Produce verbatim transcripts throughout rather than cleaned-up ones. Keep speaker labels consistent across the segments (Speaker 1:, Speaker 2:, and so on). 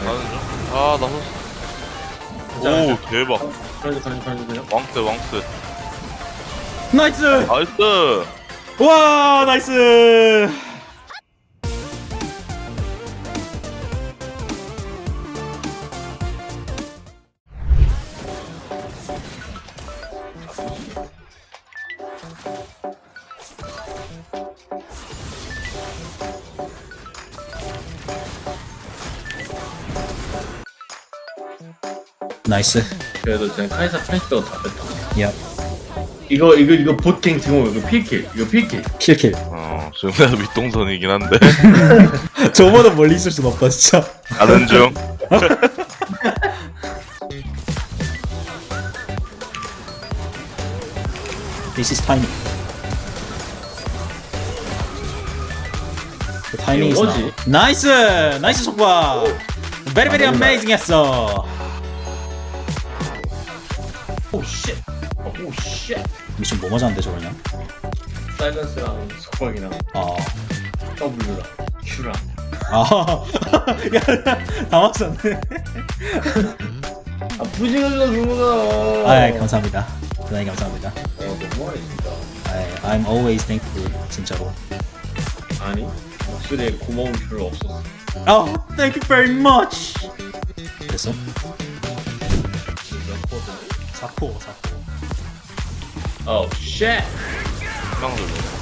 Speaker 1: 가는 중. 아, 나서. 오, 대박.
Speaker 2: 가는 가는 가는 가는.
Speaker 1: 왕스, 왕스.
Speaker 3: 나이스!
Speaker 1: 나이스!
Speaker 3: 와 나이스! 나이스.
Speaker 2: 그래도 쟤 카이사 프렌치도 다 뺐다.
Speaker 3: 야
Speaker 2: 이거 이거 이거 보팅 지금 이거 필킬 이거 필킬.
Speaker 3: 킬킬.
Speaker 1: 어, 지금 내가 윗동선이긴 한데.
Speaker 3: 저보다 멀리 있을 순 없다 진짜.
Speaker 1: 가는 중.
Speaker 3: This is timing. The timing is
Speaker 2: 이거지?
Speaker 3: now. 나이스! 나이스 속박! Very very amazing 했어.
Speaker 2: 오 쉣. 오 쉣.
Speaker 3: 미션 뭐 맞았는데 저거냐?
Speaker 2: 사이런스랑 속박이랑
Speaker 3: 아,
Speaker 2: W랑 Q랑.
Speaker 3: 아, 야, 다 맞았네.
Speaker 2: 아 부지가지고 그거다.
Speaker 3: 아, 감사합니다. 대단히 감사합니다.
Speaker 2: 어 너무하네 진짜.
Speaker 3: 아, I'm always thankful. 진짜로.
Speaker 2: 아니 목소리에 고마움 별로 없었어.
Speaker 3: 아, thank you very much. 됐어?
Speaker 2: 몇 코드?
Speaker 3: 사포, 사포.
Speaker 2: 오 쉣.
Speaker 1: 희망들.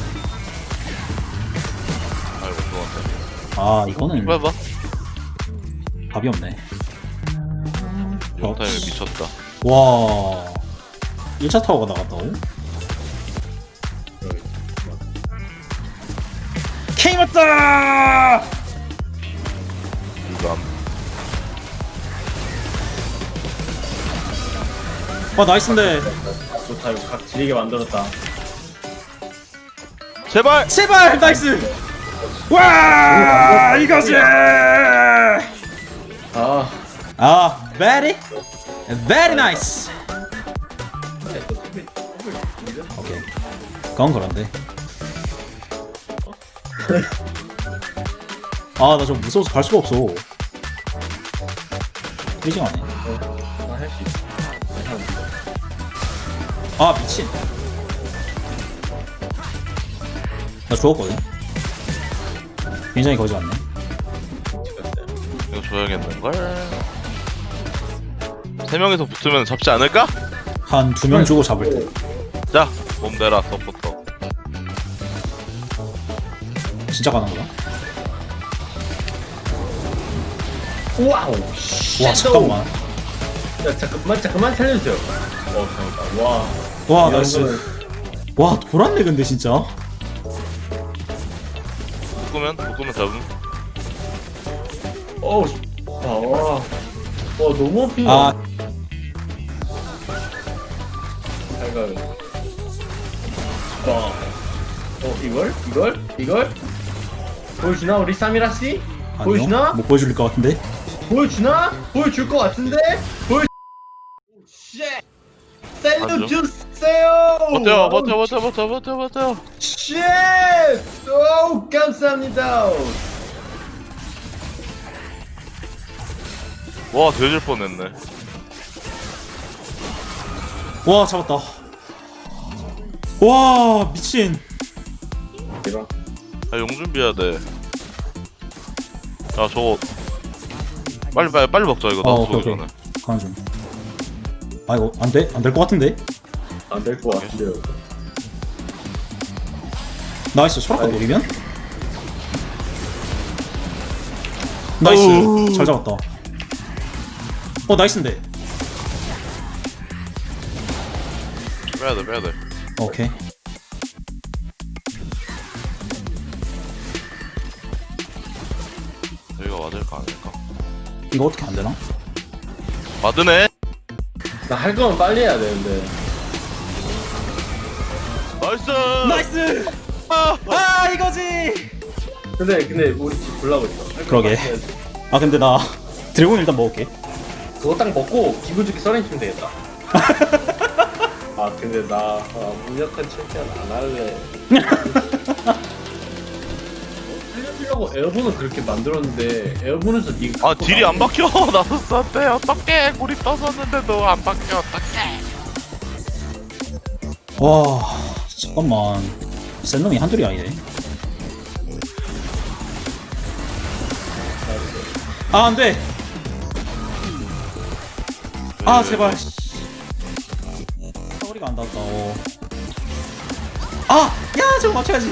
Speaker 1: 아이고, 좋았다.
Speaker 3: 아, 이거는
Speaker 1: 해봐.
Speaker 3: 답이 없네.
Speaker 1: 이번 타임에 미쳤다.
Speaker 3: 와, 일 차 타워가 나갔다고? K 맞다!
Speaker 1: 유감.
Speaker 3: 와, 나이스인데.
Speaker 2: 좋다 이거 각 지리게 만들었다.
Speaker 1: 제발!
Speaker 3: 제발 나이스. 와 이거지.
Speaker 2: 아.
Speaker 3: 아 very very nice. 오케이 그건 그런데. 아 나 좀 무서워서 갈 수가 없어. freezing 하네.
Speaker 2: 나할 수 있어.
Speaker 3: 아 미친. 나 죽었거든. 굉장히 거지 같네.
Speaker 1: 이거 줘야겠는걸? 세 명이서 붙으면 잡지 않을까?
Speaker 3: 한 두 명 주고 잡을 때.
Speaker 1: 자, 몸 대라, 서포터.
Speaker 3: 진짜 가는 거야?
Speaker 2: 와우.
Speaker 3: 와 잠깐만.
Speaker 2: 야 잠깐만 잠깐만 살려주세요. 어 다행이다. 와.
Speaker 3: 와
Speaker 2: 이런
Speaker 3: 나이스.
Speaker 2: 거는-
Speaker 3: 와 돌았네 근데 진짜.
Speaker 1: 묶으면? 묶으면 잡음.
Speaker 2: 어우. 씨. 아 와. 와 너무 아프다.
Speaker 3: 아
Speaker 2: 잘 가요. 와. 어 이걸? 이걸? 이걸? 보여주나 우리 사미라 씨? 보여주나?
Speaker 3: 아니요 못 보여줄 것 같은데.
Speaker 2: 보여주나? 보여줄 것 같은데? 보여. 쉣. 살려주세요.
Speaker 1: 버텨, 버텨, 버텨, 버텨, 버텨, 버텨.
Speaker 2: 쉣. 오 감사합니다.
Speaker 1: 와, 되질 뻔했네.
Speaker 3: 와 잡았다. 와 미친.
Speaker 2: 이런.
Speaker 1: 아, 용 준비해야 돼. 야, 저거. 빨리, 빨리, 빨리 먹자, 이거.
Speaker 3: 어,
Speaker 1: 나도
Speaker 3: 오케이,
Speaker 1: 쏘기
Speaker 3: 오케이.
Speaker 1: 전에.
Speaker 3: 가는 중. 아 이거 안 돼? 안 될 것 같은데?
Speaker 2: 안될 것 같은데요.
Speaker 3: 나이스 소라카
Speaker 2: 아이.
Speaker 3: 노리면? 나이스
Speaker 1: 어우.
Speaker 3: 잘 잡았다. 어 나이스인데.
Speaker 1: 빼야 돼, 빼야 돼.
Speaker 3: 오케이.
Speaker 1: 여기가 맞을까, 아닐까?
Speaker 3: 이거 어떻게 안 되나?
Speaker 1: 맞으네!
Speaker 2: 나 할 거면 빨리 해야 되는데.
Speaker 1: 나이스!
Speaker 3: 나이스.
Speaker 1: 아!
Speaker 3: 아 이거지.
Speaker 2: 근데 근데 우리 집 불나고 있어. 할 거면
Speaker 3: 그러게.
Speaker 2: 빨리 해야지.
Speaker 3: 아 근데 나 드래곤 일단 먹을게.
Speaker 2: 그거 딱 먹고 기분 좋게 써렌 치면 되겠다. 아 근데 나 아, 무력한 챔피언 안 할래. 어? 살려줘. 하려고 에어본을 그렇게 만들었는데 에어본에서 니가
Speaker 1: 아 딜이 안 박혀. 나서스한테 어떡해. 골이 떠섰는데도 안 박혀. 어떡해.
Speaker 3: 와 잠깐만 센 놈이 한둘이 아니네. 아 안돼. 아 제발. 사거리가 안 닿았다. 어. 아! 야 저거 맞춰야지.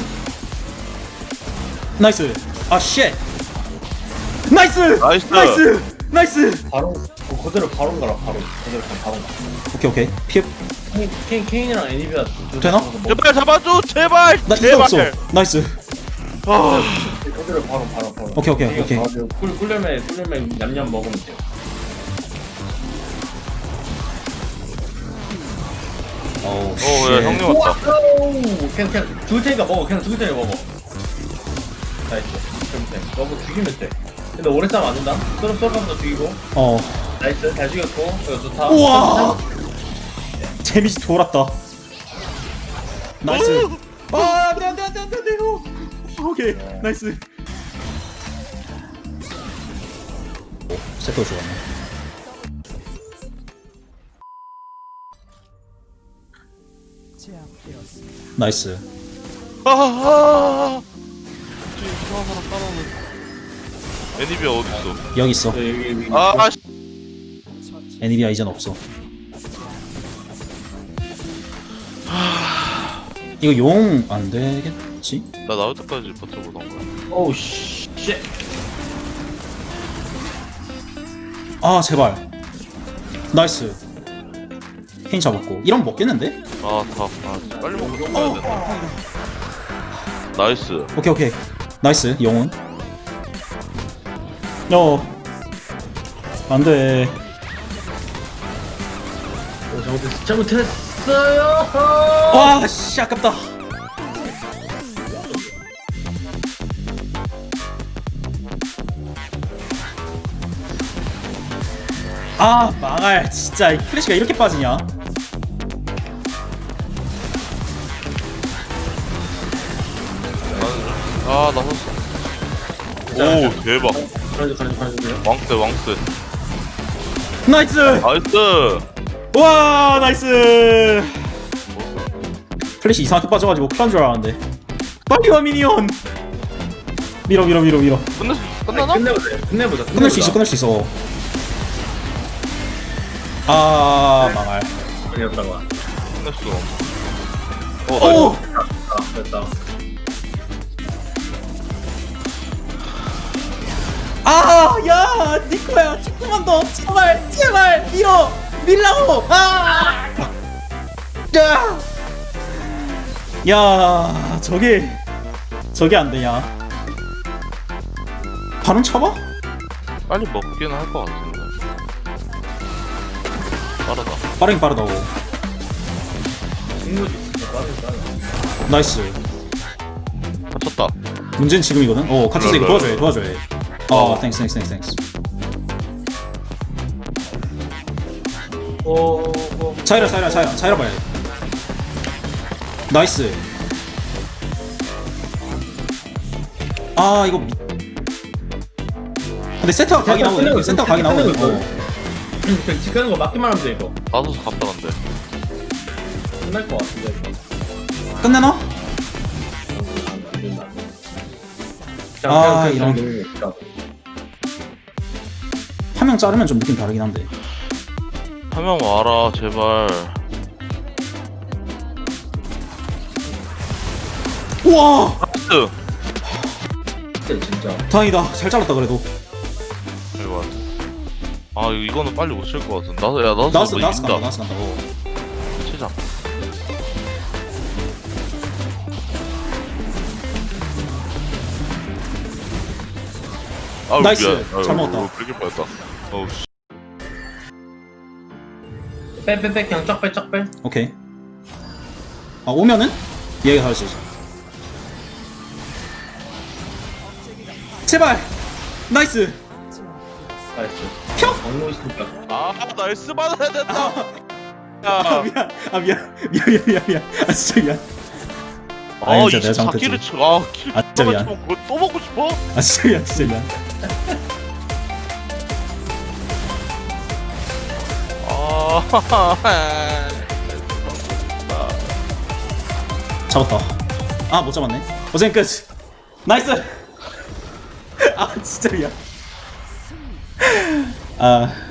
Speaker 3: 나이스. 아 쉣. 나이스.
Speaker 1: 나이스.
Speaker 3: 나이스. 나이스.
Speaker 2: 바로 어, 그대로 바로 가라 바로 그대로 가 바로 가.
Speaker 3: 오케이 오케이. 피해.
Speaker 2: 케인, 케인 케인이랑 애니비아 두-
Speaker 3: 되나?
Speaker 2: 두- 뭐-
Speaker 1: 제발 잡아줘. 제발.
Speaker 3: 나 이거
Speaker 1: 제발.
Speaker 3: 없어. 나이스.
Speaker 1: 아,
Speaker 2: 그대로 바로 바로 바로.
Speaker 3: 오케이, 오케이, 오케이.
Speaker 2: 꿀 꿀려면 꿀려면 냠냠 먹으면 돼요.
Speaker 3: 어우
Speaker 1: 어,
Speaker 3: 쉣.
Speaker 1: 야, 형님 왔다.
Speaker 2: 와우! 그냥 그냥 죽을 테니까 먹어. 그냥 죽을 테니까 먹어. 나이스. 그럼 돼. 너무 죽이면 돼. 근데 오래 싸움 안 된다. 쏘름 쏘름부터 죽이고.
Speaker 3: 어.
Speaker 2: 나이스. 잘 죽였고. 이거 좋다.
Speaker 3: 우와. 데미지 돌았다. 나이스. 아 안돼 안돼 안돼 안돼 안돼. 오케이 나이스. 오 세터 좋았네. 나이스.
Speaker 1: 아, 아, 뒤에 이상한 사람 따라오는. 애니비아 어딨어?
Speaker 3: 여기 있어.
Speaker 2: 네, 여기 여기.
Speaker 1: 아, 아, 씨.
Speaker 3: 애니비아 이젠 없어. 이거 용 안 되겠지?
Speaker 1: 나 나올 때까지 버텨보던 거야.
Speaker 2: 오우 씨.
Speaker 3: 아 제발. 나이스. 케인 잡았고. 이러면 먹겠는데?
Speaker 1: 아, 다. 아, 빨리 먹고 죽어야 된다. 나이스.
Speaker 3: 오케이 오케이. 나이스 영혼. 어. 안돼.
Speaker 2: 오, 잘못했어. 잘못했어요.
Speaker 3: 와 씨 아깝다. 아 망할 진짜 이 플래시가 이렇게 빠지냐?
Speaker 1: 아, 나섰어. 오, 대박.
Speaker 2: 가라지 가라지 가라지.
Speaker 1: 왕세, 왕세.
Speaker 3: 나이스.
Speaker 1: 나이스.
Speaker 3: 와 나이스. 플래시 이상하게 빠져가지고 큰일 난줄 알았는데. 빨리 와 미니언. 밀어 밀어 밀어 밀어.
Speaker 1: 끝났, 끝나나?
Speaker 2: 끝내보자. 끝내보자.
Speaker 3: 끝낼 수 있어 끝낼 수 있어. 아 망할.
Speaker 2: 끝내보자가.
Speaker 1: 끝냈어. 어, 나이스.
Speaker 3: 오.
Speaker 2: 아, 됐다.
Speaker 3: 아, 야, 니코야, 조금만 더, 제발, 제발, 밀어, 밀라고, 아, 야, 야, 저게, 저게 안 되냐? 바로 쳐봐?
Speaker 1: 빨리 먹기는 할 것 같은데. 빠르다.
Speaker 3: 빠르긴 빠르다고.
Speaker 2: 승부지 진짜 빠르다.
Speaker 3: 나이스.
Speaker 1: 다쳤다.
Speaker 3: 문제는 지금이거든. 어, 같이 이거 도와줘야 해, 도와줘야 해. 어, 땡스, 땡스, 땡스, 땡스.
Speaker 2: 오, 오.
Speaker 3: 차이라, 차이라, 차이라, 차이라 봐야 돼. 나이스. 아, 이거. 미... 근데 센터가 각이 나오네. 센터가 각이 나오네. 어.
Speaker 2: 그냥 집 가는 거 맞기만 하면 돼 이거.
Speaker 1: 나서서 갔다 간대.
Speaker 2: 끝날 것 같은데 이거.
Speaker 3: 끝내나?
Speaker 2: 안 된다.
Speaker 3: 아,
Speaker 2: 그냥, 그냥,
Speaker 3: 이런.
Speaker 2: 그냥, 그냥.
Speaker 3: 한 명 자르면 좀 느낌 다르긴 한데.
Speaker 1: 한 명 와라, 제발.
Speaker 3: 우와!
Speaker 1: 나이스.
Speaker 2: 진짜 진짜.
Speaker 3: 다행이다. 잘 잘랐다 그래도.
Speaker 1: 이거 아, 이거 이거는 빨리 못 칠 것 같은데. 나서, 야, 나서
Speaker 3: 나왔어,
Speaker 1: 뭐
Speaker 3: 나왔어, 간다,
Speaker 1: 이긴다.
Speaker 3: 나왔어, 간다. 어.
Speaker 1: 치자. 아우,
Speaker 3: 나이스.
Speaker 1: 미안. 아유,
Speaker 3: 잘 먹었다.
Speaker 1: 어, 그렇게 뻔했다. 어우, 씨.
Speaker 2: 빼빼빼 그냥 쫙 빼 쫙 빼.
Speaker 3: 오케이. 아, 오면은? 얘가 할 수 있어. 제발! 나이스!
Speaker 2: 나이스.
Speaker 3: 평!
Speaker 2: 막고 있으니까.
Speaker 1: 아, 나이스 받아야 된다.
Speaker 3: 아,
Speaker 1: 야.
Speaker 3: 미안. 아, 미안. 미안, 미안, 미안, 미안. 아, 진짜 미안.
Speaker 1: 아,
Speaker 3: 아니, 진짜 내가
Speaker 1: 이십사 킬을
Speaker 3: 잘못했지.
Speaker 1: 쳐. 아, 킬.
Speaker 3: 아, 진짜 미안.
Speaker 1: 뭐 그거 또 먹고 싶어?
Speaker 3: 아 진짜 미안 진짜 미안.
Speaker 1: 아,
Speaker 3: 잡았다. 아 못 잡았네. 어쨌든 끝. 나이스. 아 진짜 미안. 아